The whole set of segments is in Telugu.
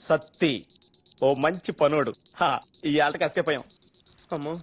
సత్తి ఓ మంచి పనోడు. ఈ ఆటకి ఎస్కేప్ అయ్యాం. అమ్మో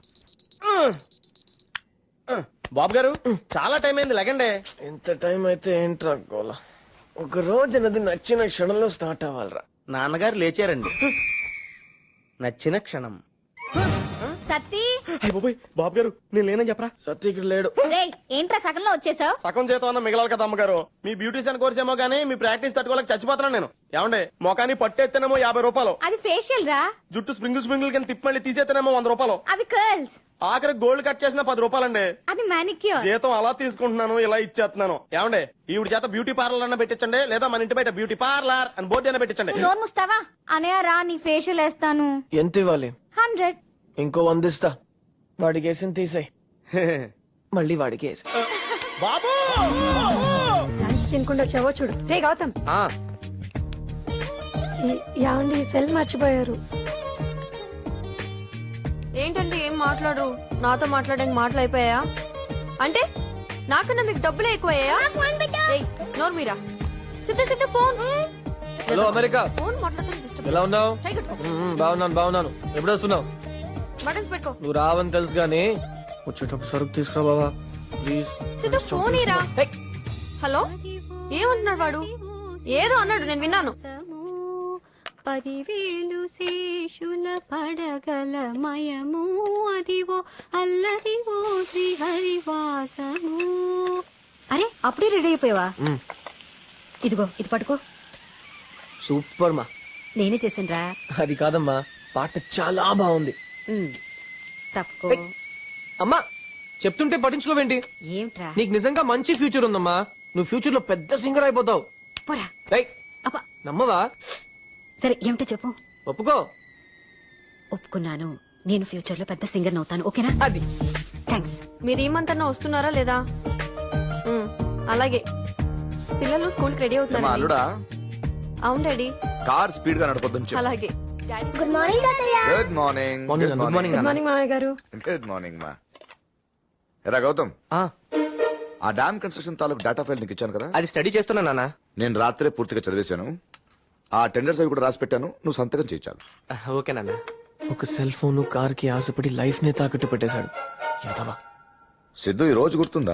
బాబు గారు, చాలా టైం అయింది, లెగండే. ఎంత టైం అయితే ఏంట్రా గోల. ఒక రోజు నది నచ్చిన క్షణంలో స్టార్ట్ అవ్వాలరా. నాన్నగారు లేచారండి. నచ్చిన క్షణం. సత్తి బాబు గారు, నేను లేనని చెప్పరా. సత్య ఇక్కడ లేడు. రేయ్ ఏంట్రా సగంలో వచ్చేసావు? సగం చేతం అన్న మిగలాలి కదా అమ్మగారు. మీ బ్యూటీషియన్ కోర్స్ ఏమో గానీ మీ ప్రాక్టీస్ తట్టుకోలేక చచ్చిపోతున్నాను నేను. ఏమండే, మొఖాన్ని పట్టేస్తేనేమో 50 రూపాయలు, అది ఫేషియల్ రా. జుట్టు స్ప్రింగుల్ కింద తిప్పి మళ్ళీ తీసేస్తేనేమో 100 రూపాయలు, అది కర్ల్స్. ఆఖరి గోల్డ్ కట్ చేసిన 10 రూపాయలండి. అది మానిక్యూర్. జీతం అలా తీసుకుంటున్నాను, ఇలా ఇచ్చేస్తున్నాను. ఏమండే, ఈవిడ చేత బ్యూటీ పార్లర్ అన్న పెట్టించండి, లేదా మన ఇంటి బయట బ్యూటీ పార్లర్ అని బోర్డు అయినా పెట్టించండి. నోరు ముస్తావా? అనయ్య రా, నీ ఫేషియల్ వేస్తాను. ఎంత ఇవ్వాలి? 100. ఇంకో 100 ఇస్తా. వాడికి వేసిన తీసేయ్, మళ్ళీ వాడికి వేసి. బాబు లంచ్ తినకుండా వచ్చావో చూడు. రే గౌతమ్, యావండి సెల్ మర్చిపోయారు. ఏంటండి ఏం మాట్లాడు? నాతో మాట్లాడడానికి మాటలు అయిపోయా అంటే? నాకన్నా మీకు డబ్బులే ఎక్కువయ్యా? నోరు మీరా. Siddha phone. Hello America, phone మాట్లాడుతుంది డిస్టర్బ్. ఎలా ఉన్నావు? ట్రై కట్టుకో. బాగున్నాను. ఎప్పుడు వస్తున్నావు? బటన్స్ పెట్టుకో. నువ్వు రావని తెలుసు గానీ వచ్చేటప్పుడు సరుకు తీసుకురా బాబా ప్లీజ్. సిద్ధ ఫోన్ ఇరా. హలో, ఏమంటున్నాడు వాడు? ఏదో అన్నాడు, నేను విన్నాను. 10,000 శేషుల పడగల మయము అదివో అల్లరివో శ్రీహరివాసము. అరే అప్పుడే రెడీ అయిపోయావా? ఇదిగో ఇది పట్టుకో. సూపర్ మా. నేనే చేసాను రా. అది కాదమ్మా, పాట చాలా బాగుంది. తప్పుకో. అమ్మా చెప్తుంటే పట్టించుకోవేంటి? ఏమిట్రా? నీకు నిజంగా మంచి ఫ్యూచర్ ఉందమ్మా. నువ్వు ఫ్యూచర్ లో పెద్ద సింగర్ అయిపోతావు. పోరా. అబ్బా. నమ్మవా? సరే ఏమిటో చెప్పు. ఒప్పుకో. ఒప్పుకున్నాను, నేను ఫ్యూచర్ లో పెద్ద సింగర్ అవుతాను. ఓకేనా? అది. థ్యాంక్స్. మీరు ఏమంతన్నా వస్తున్నారా లేదా? అలాగే. పిల్లలు స్కూల్ కి రెడీ అవుతున్నారు. అవును డాడీ. కార్ స్పీడ్ గా నడపొద్దు. అలాగే. గుడ్ మార్నింగ్ తాతయ్య. Good morning. గుడ్ మార్నింగ్ మామయ్య గారు. గుడ్ మార్నింగ్ మా. ఎరా గౌతమ్, ఆ డామ్ కన్స్ట్రక్షన్ తాలూకు డేటా ఫైల్ నీకు ఇచ్చాను కదా, అది స్టడీ చేస్తున్నా నాన్న. నేను రాత్రే పూర్తిగా చదివేశాను. ఆ టెండర్స్ అవి కూడా రాసి పెట్టాను, నువ్వు సంతకం చేయించాలి. ఓకే నాన్న. ఒక సెల్ ఫోన్ కార్ కి ఆశపడి లైఫ్ నే తాకట్టు పెట్టేశాడు. ఎంతవా సిద్ధు, ఈ రోజు గుర్తుందా?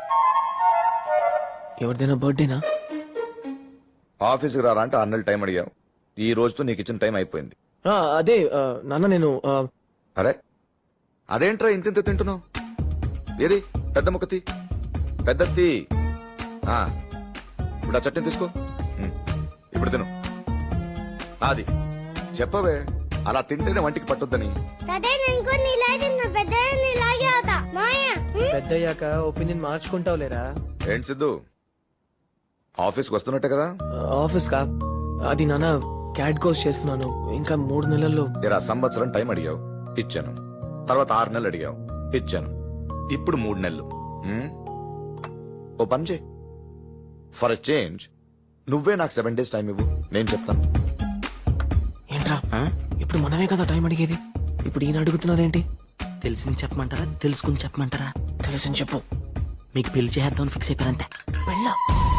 ఎవరిదైనా బర్త్డేనా? ఆఫీస్కి రారా అంటే 6 నెలలు టైం అడిగావు. ఈ రోజుతో నీకు ఇచ్చిన టైం అయిపోయింది. అదే నాన్న, నేను అరే అదేంట్రా ఇంత తింటున్నావు? ఏది పెద్ద ముక్కతి పెద్దత్తి. ఇప్పుడు ఆ చట్నీ తీసుకో, ఇప్పుడు తిను. అది చెప్పవే, అలా తింటేనే వంటికి పట్టొద్దని. పెద్దయ్యాక ఒపీనియన్ మార్చుకుంటావు లేరా? ఏంటి సిద్ధు, ఆఫీస్కి వస్తున్నట్టే కదా? ఆఫీస్ కా? అది నాన్న, క్యాట్ కోర్స్ చేస్తున్నాను. ఇంకా 3 నెలల్లో. ఇరా సంవత్సరం టైం అడిగావు, ఇచ్చాను. తర్వాత 6 నెలలు అడిగావు, ఇచ్చాను. ఇప్పుడు 3 నెలలు. ఓ పని చేయి, ఫర్ ఎ చేంజ్ నువ్వే నాకు 7 days టైం ఇవ్వు, నేను చెప్తాను. ఏంట్రా, ఇప్పుడు మనమే కదా టైం అడిగేది? ఇప్పుడు ఈయన అడుగుతున్నారేంటి? తెలిసింది చెప్పమంటారా, తెలుసుకుని చెప్పమంటారా? తెలిసింది చెప్పు. మీకు పెళ్లి చేద్దామని ఫిక్స్ అయిపోయారంతే. వెళ్ళా.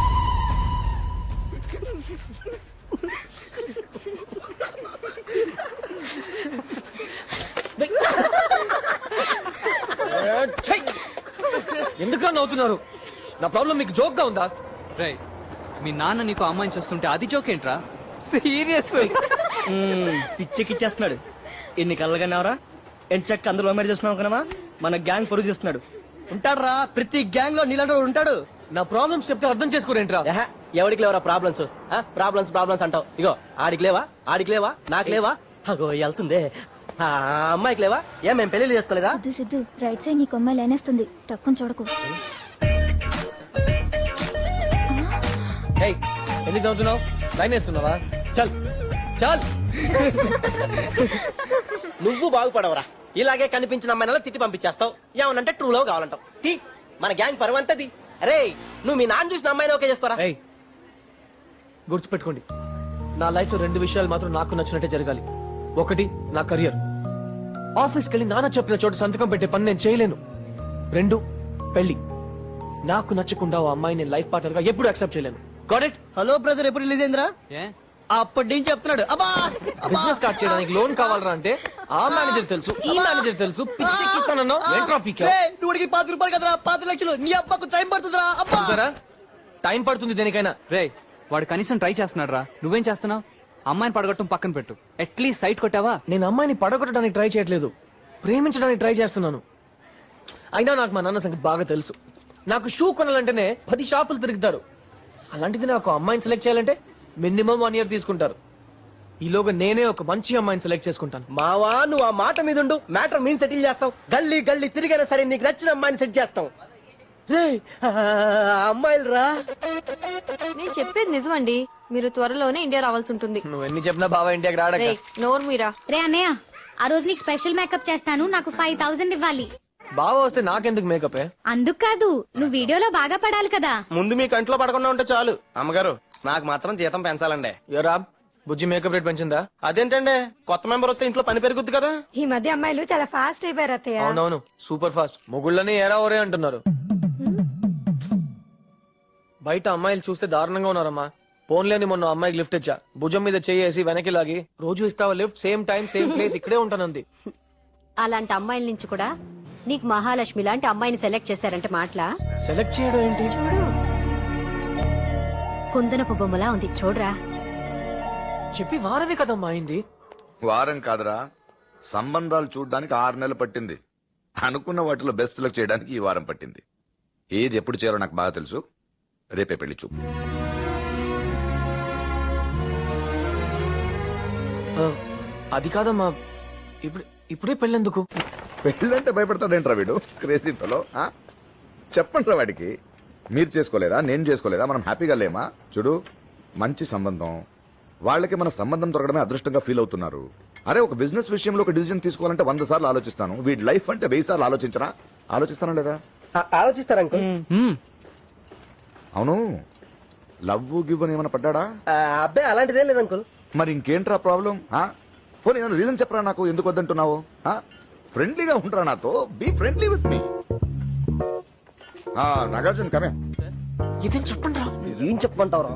ఎందుకు నవ్వుతున్నారు? నా ప్రాబ్లం మీకు జోక్ గా ఉందా? రేయ్, మీ నాన్న నీకు అమ్మాయిని చూస్తుంటే అది జోక్ ఏంట్రా? సీరియస్. పిచ్చెక్కిచ్చేస్తున్నాడు. ఎన్ని కళ్ళగానేవరా? ఎంచక్క అందరూ మ్యారేజ్ చేస్తున్నావు కదమ్మా. మన గ్యాంగ్ పొరుగు చేస్తున్నాడు. ఉంటాడురా, ప్రతి గ్యాంగ్ లో నీలాంటి ఉంటాడు. నా ప్రాబ్లమ్స్ చెప్తే అర్థం చేసుకోరేంట్రా? ఎవడికి లేవరా ప్రాబ్లమ్స్? ప్రాబ్లమ్స్ అంటావు. ఇగో ఆడికి లేవా నాకు లేవా? అగో వెళ్తుందే. అమ్మాయికి లేవా? ఏం మేము పెళ్లి చేసుకోలేదా? సిద్ధు రైట్ సైడ్ నీకు అమ్మాయి లేనేస్తుంది. టక్కుని చూడకు. ఎందుకు నవ్వుతున్నావు? లైన్ వేస్తున్నావా? చల్ చల్. నువ్వు బాగుపడవరా. ఇలాగే కనిపించిన అమ్మాయినలా తిట్టి పంపించేస్తావు. ఏమనంటే ట్రూ లవ్ కావాలంటావు. తీ, మన గ్యాంగ్ పరువంతది. అరే నువ్వు మీ నాన్న చూసిన అమ్మాయిని ఓకే చేసుకోరా. గుర్తుపెట్టుకోండి, నా లైఫ్ లో 2 విషయాలు మాత్రం నాకు నచ్చినట్టే జరగాలి. ఒకటి నా కెరియర్. ఆఫీస్కి వెళ్ళి నాన్న చెప్పిన చోట సంతకం పెట్టే పని నేను చేయలేను. 2 పెళ్లి. నాకు నచ్చకుండా ఓ అమ్మాయి నేను లైఫ్ పార్ట్నర్ గా ఎప్పుడు యాక్సెప్ట్ చేయలేను. Got it? హలో బ్రదర్, ఎప్పుడు రిలీజ్ అయిందిరా? అప్పటి నుంచి చెప్తున్నాడు అబ్బా బిజినెస్ స్టార్ట్ చేయడానికి లోన్ కావాలరా అంటే ఆ మేనేజర్ తెలుసు ఈ మేనేజర్ తెలుసు పిచ్చెక్కిస్తానన్నా ఏంట్రా పీకే నువ్వుడికి 10 రూపాయలు కదరా 5 లక్షలు నీ అబ్బకు టైం పడుతుందిరా అబ్బా చూసారా టైం పడుతుంది దేనికైనా. రే వాడు కనీసం ట్రై చేస్తున్నాడు రా, నువ్వేం చేస్తున్నావు? అమ్మాయిని పడగొట్టడం పక్కన పెట్టు, అట్లీస్ట్ సైట్ కొట్టావా? నేను అమ్మాయిని పడగొట్టడానికి ట్రై చేయట్లేదు, ప్రేమించడానికి ట్రై చేస్తున్నాను. అయినా నాకు మా నాన్న సంగతి బాగా తెలుసు. నాకు షూ కొనాలంటేనే 10 షాపులు తిరుగుతారు. అలాంటిది నాకు అమ్మాయిని సెలెక్ట్ చేయాలంటే మినిమం 1 year తీసుకుంటారు. ఈలోగా నేనే ఒక మంచి అమ్మాయిని సెలెక్ట్ చేసుకుంటాను. మావా నువ్వు ఆ మాట మీద ఉండు, మ్యాటర్ మేము సెటిల్ చేస్తాం. గల్లీ గల్లీ తిరిగైనా సరే నీకు నచ్చిన అమ్మాయిని సెట్ చేస్తాం. రే అమ్మాయిలు రా. నేను చెప్పేది నిజమండి, మీరు త్వరలోనే ఇండియా రావాల్సి ఉంటుంది. నువ్వు ఎన్ని చెప్పినా బాబా ఇండియాకి రాడక. రేయ్, నోరు మీరా. రే అన్నయ్య, ఆ రోజు నీకు స్పెషల్ మేకప్ చేస్తాను, నాకు 5000 ఇవ్వాలి. బావ వస్తే నాకెందుకు మేకప్? అందుకు కాదు, నువ్వు వీడియోలో బాగా పడాలి కదా. ముందు మీ కంట్లో పడకుండా ఉంటే చాలు. అమ్మగారు నాకు మాత్రం జీతం పెంచాలండి. ఎవరా బుజ్జి మేకప్ రేట్ పెంచిందా? అదేంటండి, కొత్త మెంబర్ వస్తే ఇంట్లో పని పెరుగుద్ది కదా. ఈ మధ్య అమ్మాయిలు చాలా ఫాస్ట్ అయిపోయారు అత్తయ్య. అవునవును, సూపర్ ఫాస్ట్. మొగుళ్ళని ఏరా ఓరే అంటున్నారు. బయట అమ్మాయిలు చూస్తే దారుణంగా ఉన్నారమ్మా. పోన్లేని మొన్న అమ్మాయికి లిఫ్ట్ ఇచ్చా, భుజం మీద చేసి వెనక్కి లాగి రోజు ఇస్తావా lift, same time same place, ఇక్కడే ఉంటానంది. అలాంటి అమ్మాయిల నుంచి కూడా నీకు మహాలక్ష్మి లాంటి అమ్మాయిని సెలెక్ట్ చేశారంటే మాటలా? సెలెక్ట్ చేయడం ఏంటి? కుందనపు బొమ్మలా ఉంది చూడరా. చెప్పి వారమే కదమ్మా అయింది. వారం కాదురా, సంబంధాలు చూడడానికి 6 నెలలు పట్టింది. అనుకున్న వాటిలో బెస్ట్ సెలెక్ట్ చేయడానికి ఈ వారం పట్టింది. ఏది ఎప్పుడు చేయాలో నాకు బాగా తెలుసు. రేపే పెళ్లి చూపు. అది కాదమ్మా, ఇప్పుడే పెళ్ళెందుకు? పెళ్ళంటే భయపడతాడేంట్రా వీడు, క్రేజీ ఫెలో. చెప్పండి వాడికి, మీరు చేసుకోలేదా, నేను చేసుకోలేదా, మనం హ్యాపీగా లేమా? చూడు, మంచి సంబంధం, వాళ్ళకి మన సంబంధం దొరకడమే అదృష్టంగా ఫీల్ అవుతున్నారు. అరే ఒక బిజినెస్ విషయంలో ఒక డిసిజన్ తీసుకోవాలంటే 100 సార్లు ఆలోచిస్తాను. వీడి లైఫ్ అంటే 1000 సార్లు ఆలోచించరా? ఆలోచిస్తానా లేదా? ఆలోచిస్తారు అంకుల్. అవును, లవ్ గివ్ అని ఏమైనా పడ్డాడా? అబ్బాయి అలాంటిదేం లేదు అంకుల్. మరి ఇంకేంట్రా ప్రాబ్లం? పోనీ ఏదైనా రీజన్ చెప్పరా నాకు, ఎందుకు వద్దంటున్నావు? ఫ్రెండ్లీగా ఉంటారా నాతో, be friendly with me. Nagarjuna కమే. ఇదేం చెప్పండి రా. ఏం చెప్పమంటావురా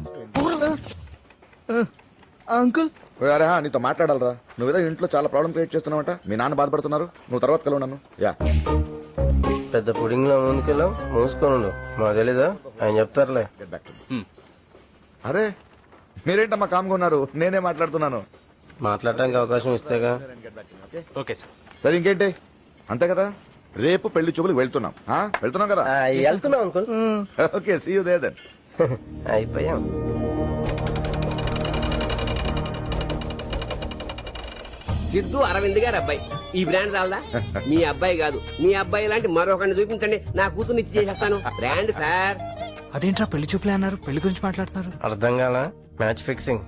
అంకుల్? అరే నీతో మాట్లాడాలరా. నువ్వేదో ఇంట్లో చాలా ప్రాబ్లం క్రియేట్ చేస్తున్నావంట, మీ నాన్న బాధపడుతున్నారు. నువ్వు తర్వాత కలవు నన్ను. యా పెద్ద పుడింగ్ లో ముందుకెళ్ళాం, మూసుకోను. మాకు తెలీదా, ఆయన చెప్తారులే. అరే మీరేంటమ్మా కామ్గా ఉన్నారు, నేనే మాట్లాడుతున్నాను. మాట్లాడడానికి అవకాశం ఇస్తేగా. Okay sir. సరే ఇంకేంటి, అంతే కదా. రేపు పెళ్లి చూపులకు వెళ్తున్నాం. వెళ్తున్నాం కదా? వెళ్తున్నాం uncle. Okay, see you there then. అయిపోయాం. సిద్ధు అరవింద్ గారు అబ్బాయి. ఈ బ్రాండ్ రాలదా? మీ అబ్బాయి కాదు, మీ అబ్బాయి లాంటి మరొకరిని చూపించండి, నా కూతురు ఇచ్చి చేసేస్తాను. Brand sir. అదేంట్రా పెళ్లి చూపులే అన్నారు, పెళ్లి గురించి మాట్లాడుతున్నారు. అర్థం కాల. Match fixing.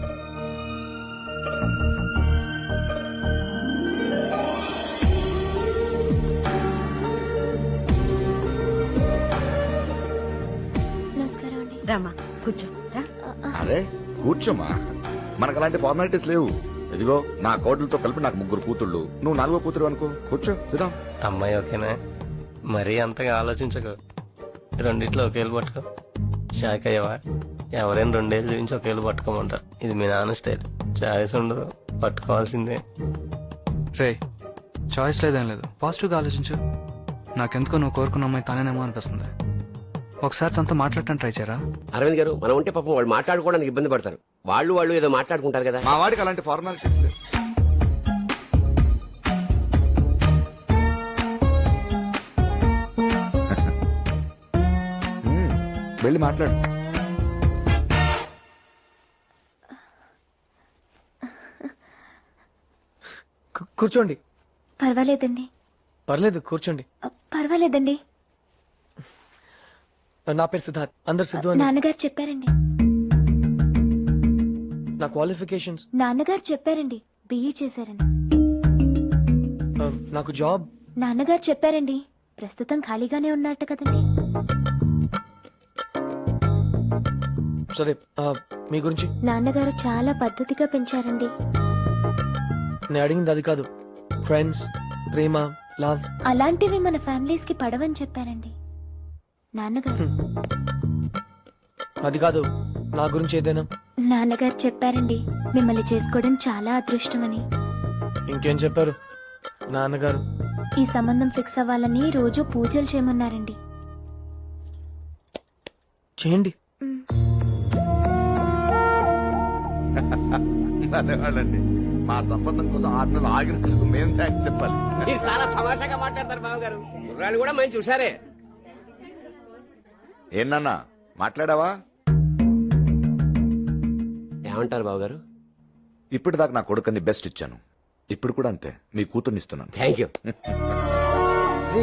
నమస్కారం అండి. రామా కూర్చో రా. అరే కూర్చోమ్మా, మనకు అలాంటి ఫార్మాలిటీస్ లేవు. ఇదిగో నా కోడలతో కలిపి నాకు 3 కూతుళ్ళు, నువ్వు 4వ కూతురు అనుకో. కూర్చో, సిద్ధం. అమ్మాయి ఓకేనా? మరీ అంతగా ఆలోచించకు, రెండిట్లో ఒకేళ్ళు పట్టుకో. షాక్ అయ్యవా? ఎవరైనా 2 ఏళ్ళు చూపించి ఒకేళ్ళు పట్టుకోమంటారు. ఇది మీ నాన్న స్టైల్. చాయిస్ ఉండదు, పట్టుకోవాల్సిందే. రే చాయిస్ లేదేం లేదు, పాజిటివ్ గా ఆలోచించు. నాకెందుకో నువ్వు కోరుకున్న అమ్మాయి తానేనేమో అనిపిస్తుంది. ఒకసారి తనతో మాట్లాడటానికి ట్రై చేయరా? అరవింద్ గారు, మనం ఉంటే పాపం వాళ్ళు మాట్లాడుకోవడానికి ఇబ్బంది పడతారు. వాళ్ళు ఏదో మాట్లాడుకుంటారు కదా. మా వాడికి అలాంటి ఫార్మాలిటీస్ లేవు. వెళ్ళి మాట్లాడు. కూర్చోండి. పర్వాలేదండి. పర్లేదు కూర్చోండి. పర్వాలేదండి. నా పేరు సిద్ధార్థ్, అందరు సిద్ధు అని. నాన్నగారు చెప్పారండి. నా క్వాలిఫికేషన్స్? నాన్నగారు చెప్పారండి, బిఈ చేశారని. నాకు జాబ్? నాన్నగారు చెప్పారండి, ప్రస్తుతం ఖాళీగానే ఉన్నట్ట కదండి. సరే మీ గురించి? నాన్నగారు చాలా పద్ధతిగా పెంచారండి. నేను అడిగింది అది కాదు. ఫ్రెండ్స్, ప్రేమ, లవ్ అలాంటివి మన ఫ్యామిలీస్ కి పడవని చెప్పారండి నాన్నగారు. అది కాదు, నా గురించి ఏదైనా? నాన్నగారు చెప్పారండి మిమ్మల్ని చేసుకోవడం చాలా అదృష్టమని. ఇంకేం చెప్పారు నాన్నగారు? ఈ సంబంధం ఫిక్స్ అవ్వాలని రోజు పూజలు చేయమన్నారండి. చేయండి. అదేవాళ్ళండి మా సంబంధం కోసం 6 నెలలు ఆగినందుకు మేము థ్యాంక్స్ చెప్పాలి. మీరు చాలా తమాషాగా మాట్లాడతారు బావగారు. కుర్రాళ్ళు కూడా మంచి చూసారే. ఏంటన్నా మాట్లాడావా? ఏమంటారు బావగారు? ఇప్పటిదాకా నా కొడుకుని బెస్ట్ ఇచ్చాను, ఇప్పుడు కూడా అంతే మీ కూతుర్నిస్తున్నాను. Thank you.